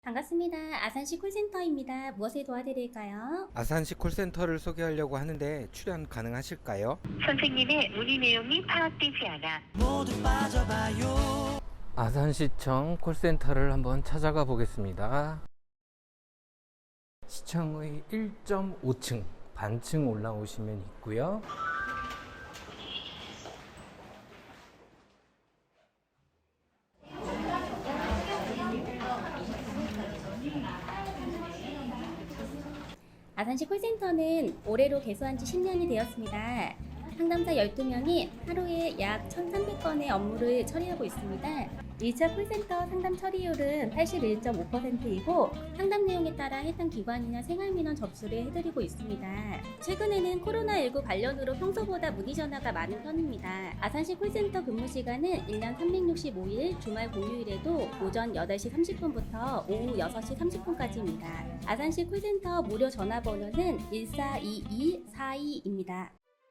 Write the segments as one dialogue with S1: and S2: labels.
S1: 반갑습니다. 아산시 콜센터입니다. 무엇에 도와드릴까요?
S2: 아산시 콜센터를 소개하려고 하는데 출연 가능하실까요?
S3: 선생님의 문의 내용이 파악되지 않아
S2: 아산시청 콜센터를 한번 찾아가 보겠습니다. 시청의 1.5층 반층 올라오시면 있고요.
S1: 아산시 콜센터는 올해로 개소한 지 10년이 되었습니다. 상담사 12명이 하루에 약 1,300건의 업무를 처리하고 있습니다. 1차 콜센터 상담 처리율은 81.5%이고 상담 내용에 따라 해당 기관이나 생활민원 접수를 해드리고 있습니다. 최근에는 코로나19 관련으로 평소보다 문의 전화가 많은 편입니다. 아산시 콜센터 근무 시간은 1년 365일 주말 공휴일에도 오전 8시 30분부터 오후 6시 30분까지입니다. 아산시 콜센터 무료 전화번호는 142242입니다.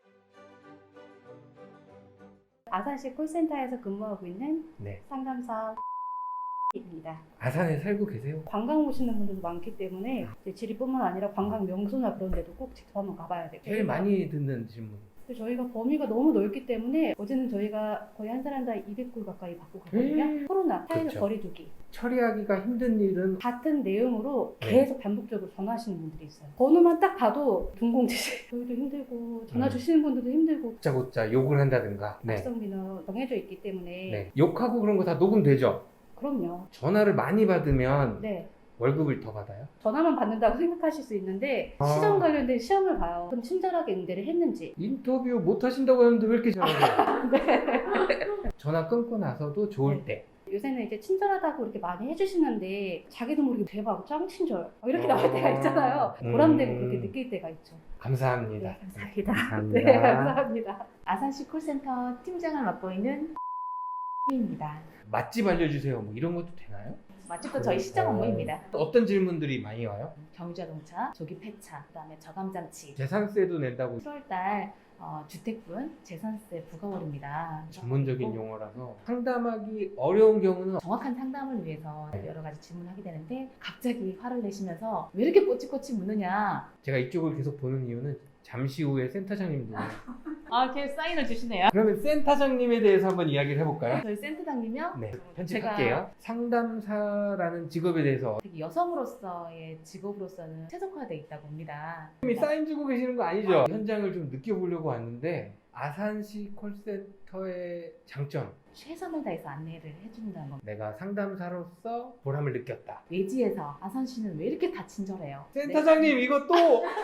S1: 아산시 콜센터에서 근무하고 있는
S2: 네.
S1: 상담사 입니다.
S2: 아산에 살고 계세요?
S4: 관광 오시는 분들도 많기 때문에 이제 지리뿐만 아니라 관광 명소나 그런 데도 꼭 직접 한번 가봐야 돼요.
S2: 제일 많이 듣는 질문.
S4: 저희가 범위가 너무 넓기 때문에 어제는 저희가 거의 한 사람당 200불 가까이 받고 갔거든요. 코로나, 사회적
S2: 그렇죠.
S4: 거리두기
S2: 처리하기가 힘든 일은
S4: 같은 내용으로
S2: 네.
S4: 계속 반복적으로 전화하시는 분들이 있어요. 번호만 딱 봐도 둥공지시 저희도 힘들고 전화 주시는 분들도 힘들고
S2: 곧자곧자 욕을 한다든가.
S4: 악성민원 정해져 있기 때문에
S2: 네. 욕하고 그런 거 다 녹음되죠?
S4: 그럼요.
S2: 전화를 많이 받으면
S4: 네.
S2: 월급을 더 받아요?
S4: 전화만 받는다고 생각하실 수 있는데
S2: 아.
S4: 시험 관련된 시험을 봐요. 그럼 친절하게 응대를 했는지.
S2: 인터뷰 못 하신다고 하는데 왜 이렇게 잘하세요?
S4: 네.
S2: 전화 끊고 나서도 좋을
S4: 네.
S2: 때.
S4: 요새는 이제 친절하다고 이렇게 많이 해주시는데 자기도 모르게 대박 짱 친절 이렇게 나올 때가 있잖아요. 보람되고 그렇게 느낄 때가 있죠.
S2: 감사합니다.
S4: 네, 감사합니다.
S2: 감사합니다.
S4: 네, 감사합니다.
S5: 아산시 콜센터 팀장을 맡고 있는 입니다.
S2: 맛집 알려주세요. 뭐 이런 것도 되나요?
S5: 맛집도 저희 시장 업무입니다.
S2: 어떤 질문들이 많이 와요?
S5: 경유자동차, 조기 폐차, 그다음에 저감장치.
S2: 재산세도 낸다고
S5: 7월달 주택분 재산세 부과월입니다.
S2: 전문적인 용어라서 상담하기 어려운 경우는
S5: 정확한 상담을 위해서
S2: 네.
S5: 여러 가지 질문을 하게 되는데 갑자기 화를 내시면서 왜 이렇게 꼬치꼬치 묻느냐.
S2: 제가 이쪽을 계속 보는 이유는 잠시 후에 센터장님도
S5: 이렇게 사인을 주시네요.
S2: 그러면 센터장님에 대해서 한번 이야기를 해볼까요?
S5: 저희 센터장님요.
S2: 네, 편집할게요. 상담사라는 직업에 대해서
S5: 되게 여성으로서의 직업으로서는 최적화되어 있다고 봅니다.
S2: 이미 사인 주고 계시는 거 아니죠? 현장을 좀 느껴보려고 왔는데 아산시 콜센터의 장점,
S5: 최선을 다해서 안내를 해준다는 겁니다.
S2: 내가 상담사로서 보람을 느꼈다.
S5: 외지에서 아산시는 왜 이렇게 다 친절해요?
S2: 센터장님 이거 또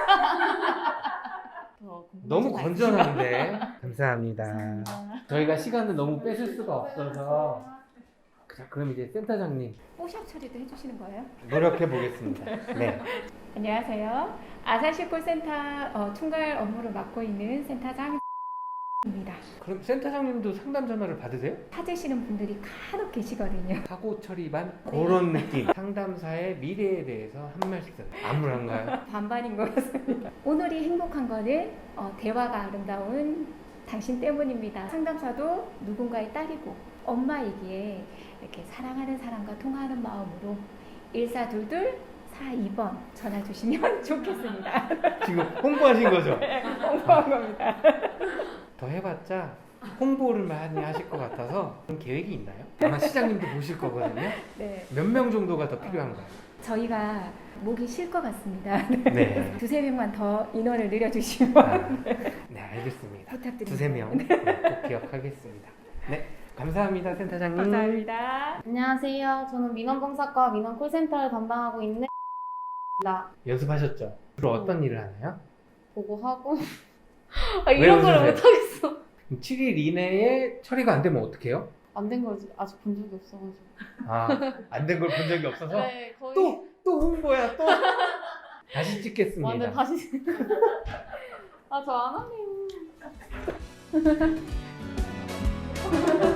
S5: 더 궁금하지
S2: 너무
S5: 않으시죠?
S2: 건전한데 감사합니다.
S5: 감사합니다.
S2: 저희가 시간을 너무 뺏을 수가 없어서 자, 그럼 이제 센터장님
S6: 뽀샵 처리도 해주시는 거예요?
S2: 노력해 보겠습니다. 네.
S6: 안녕하세요. 아산시 콜센터 총괄 업무를 맡고 있는 센터장입니다.
S2: 그럼 센터장님도 상담 전화를 받으세요?
S6: 찾으시는 분들이 간혹 계시거든요.
S2: 사고 처리반 그런 느낌. 상담사의 미래에 대해서 한 말씀. 암울한가요?
S6: 반반인 것 같습니다. 오늘이 행복한 거는 대화가 아름다운 당신 때문입니다. 상담사도 누군가의 딸이고 엄마이기에 이렇게 사랑하는 사람과 통화하는 마음으로 1422 42번 전화 주시면 좋겠습니다.
S2: 지금 홍보하신 거죠?
S6: 홍보한 겁니다.
S2: 더 해봤자 홍보를 많이 하실 것 같아서 그런 계획이 있나요? 아마 시장님도 보실 거거든요.
S6: 네,
S2: 몇 명 정도가 더 필요한가요?
S6: 저희가 목이 쉴 것 같습니다.
S2: 네.
S6: 두세 명만 더 인원을 늘려주시면
S2: 아, 네, 알겠습니다.
S6: 부탁드립니다.
S2: 두세 명 꼭 기억하겠습니다. 네, 감사합니다, 센터장님.
S6: 감사합니다.
S7: 안녕하세요. 저는 민원봉사과 민원콜센터를 담당하고 있는 입니다.
S2: 연습하셨죠? 주로 어떤 일을 하나요?
S7: 보고하고
S2: 왜
S7: 이런 걸
S2: 웃으세요?
S7: 못하겠어.
S2: 7일 이내에 처리가 안 되면 어떡해요?
S7: 안 된 걸 아직 본 적이 없어가지고.
S2: 아, 안 된 걸 본 적이 없어서
S7: 네, 거의
S2: 또 홍보야 또. 다시 찍겠습니다.
S7: 완전 다시. 아, 저 안 하네요.